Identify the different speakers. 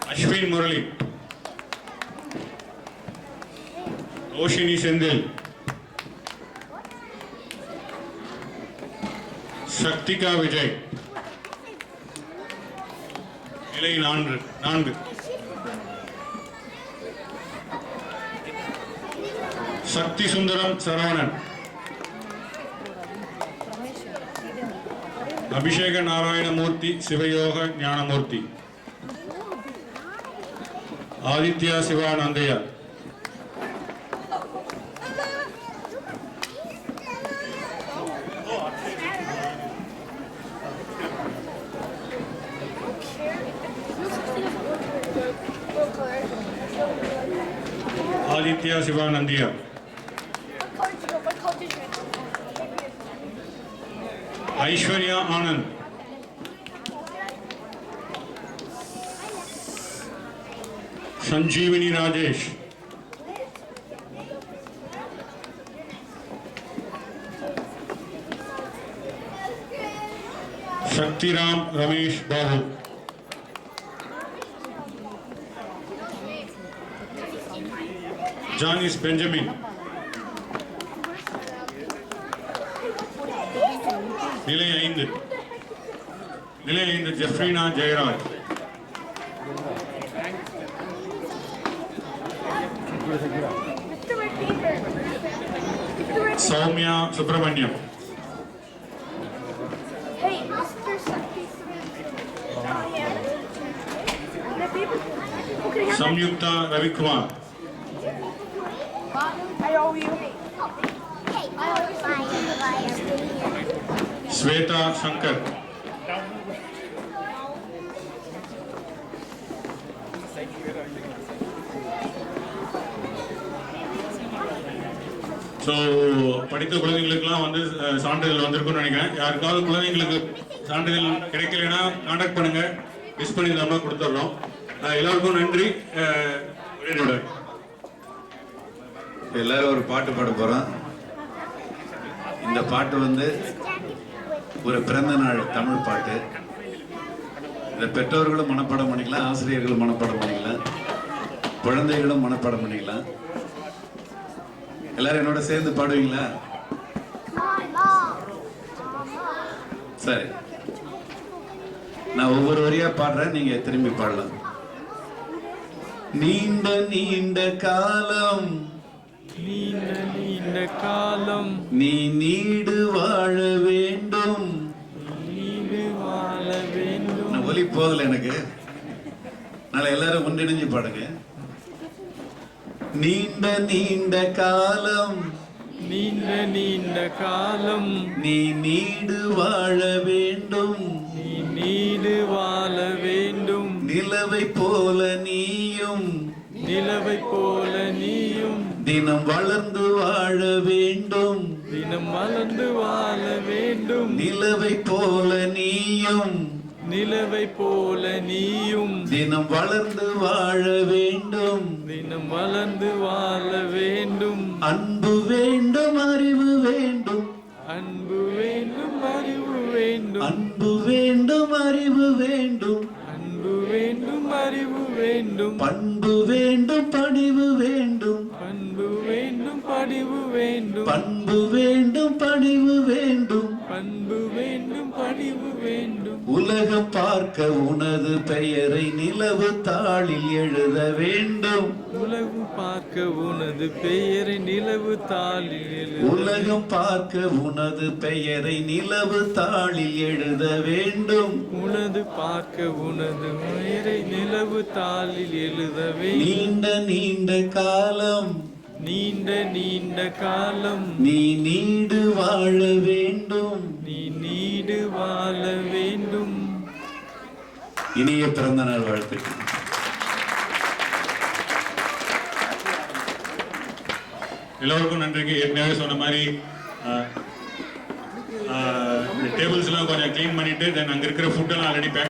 Speaker 1: अश्विन मुरली, रोशिनी सेंदिल, शक्तिका विजय, நிலை 4 சக்தி சுந்தரம் சரவணன், அபிஷேக நாராயணமூர்த்தி சிவயோக ஞானமூர்த்தி, ஆதித்யா சிவானந்தையா, आदित्य शिवानंदिया, ऐश्वर्या आनंद, संजीवनी राजेश, शक्तिराम रमेश बाबू, Janice Benjamin, நிலை 5 Jefrina Jayaraj, Sowmya Subramaniam, Samyukta Ravikumar,
Speaker 2: I owe you.
Speaker 1: Shweta Shankar, so படித்த குழந்தைங்களுக்குலாம் வந்து சான்றிதழ் வந்திருக்கும்னு நினைக்கிறேன். யாருக்காவது குழந்தைங்களுக்கு சான்றிதழ் கிடைக்கலைன்னா கான்டாக்ட் பண்ணுங்க, மிஸ் பண்ணியிருந்தோம்னா கொடுத்துட்றோம். எல்லாருக்கும் நன்றி.
Speaker 3: எல்லாரும் ஒரு பாட்டு பாட போறோம். இந்த பாட்டு வந்து ஒரு பிறந்த நாள் தமிழ் பாட்டு. இந்த பெற்றோர்களும் மனப்பாடம் பண்ணிக்கலாம், ஆசிரியர்களும் மனப்பாடம் பண்ணிக்கலாம், குழந்தைகளும் மனப்பாடம் பண்ணிக்கலாம். எல்லாரும் என்னோட சேர்ந்து பாடுவீங்களா? சரி, நான் ஒவ்வொரு வரியா பாடுறேன், நீங்க திரும்பி பாடலாம். நீண்ட நீண்ட காலம்,
Speaker 4: நீண்ட நீண்ட காலம்
Speaker 3: நீ நீடு வாழ வேண்டும்,
Speaker 4: நீடு வாழ வேண்டும்.
Speaker 3: நான் ஒலி போதல எனக்கு, நாளை எல்லாரும் ஒன்றிணைஞ்சு பாடுங்க. நீண்ட நீண்ட காலம்,
Speaker 4: நீண்ட நீண்ட காலம்
Speaker 3: நீ நீடு வாழ வேண்டும்,
Speaker 4: நீ நீடு வாழ வேண்டும்.
Speaker 3: நிலவை போல நீயும்,
Speaker 4: நிலவை போல நீயும்
Speaker 3: தினம் வளர்ந்து வாழ வேண்டும்,
Speaker 4: தினம் வளர்ந்து வாழ வேண்டும்.
Speaker 3: நிலவை போல நீயும்,
Speaker 4: நிலவை போல நீயும்
Speaker 3: தினம் வளர்ந்து வாழ வேண்டும்,
Speaker 4: தினம் வளர்ந்து வாழ வேண்டும்.
Speaker 3: அன்பு வேண்டும் அறிவு வேண்டும்,
Speaker 4: அன்பு வேண்டும் அறிவு வேண்டும்,
Speaker 3: அன்பு வேண்டும் அறிவு வேண்டும்,
Speaker 4: அன்பு வேண்டும் அறிவு வேண்டும்.
Speaker 3: பண்பு வேண்டும் பணிவு வேண்டும்,
Speaker 4: பண்பு வேண்டும் படிவு வேண்டும்,
Speaker 3: பண்பு வேண்டும் பணிவு வேண்டும்,
Speaker 4: பண்பு வேண்டும் படிவு வேண்டும்.
Speaker 3: உலகம் பார்க்க உனது பெயரை நிலவு தாளில் எழுத வேண்டும்,
Speaker 4: உலகம் பார்க்க உனது பெயரை நிலவு தாளில் எழுத.
Speaker 3: உலகம் பார்க்க உனது பெயரை நிலவு தாளில் எழுத வேண்டும்,
Speaker 4: உனது பார்க்க உனது பெயரை நிலவு தாளில் எழுத வேண்டும்.
Speaker 3: நீண்ட நீண்ட காலம்,
Speaker 4: நீண்ட நீண்ட காலம்
Speaker 3: நீ நீடு வாழ வேண்டும்.
Speaker 4: நீ நீடு வாழ வேண்டும்.
Speaker 3: இனிய பிறந்த நாள் வாழ்த்துக்கள்.
Speaker 1: எல்லோருக்கும் நன்றிக்கு. ஏற்கனவே சொன்ன மாதிரி டேபிள்ஸ்லாம் கொஞ்சம் க்ளீன் பண்ணிட்டு தென் அங்கே இருக்கிற ஃபுட்டெல்லாம் ஆல்ரெடி பேக்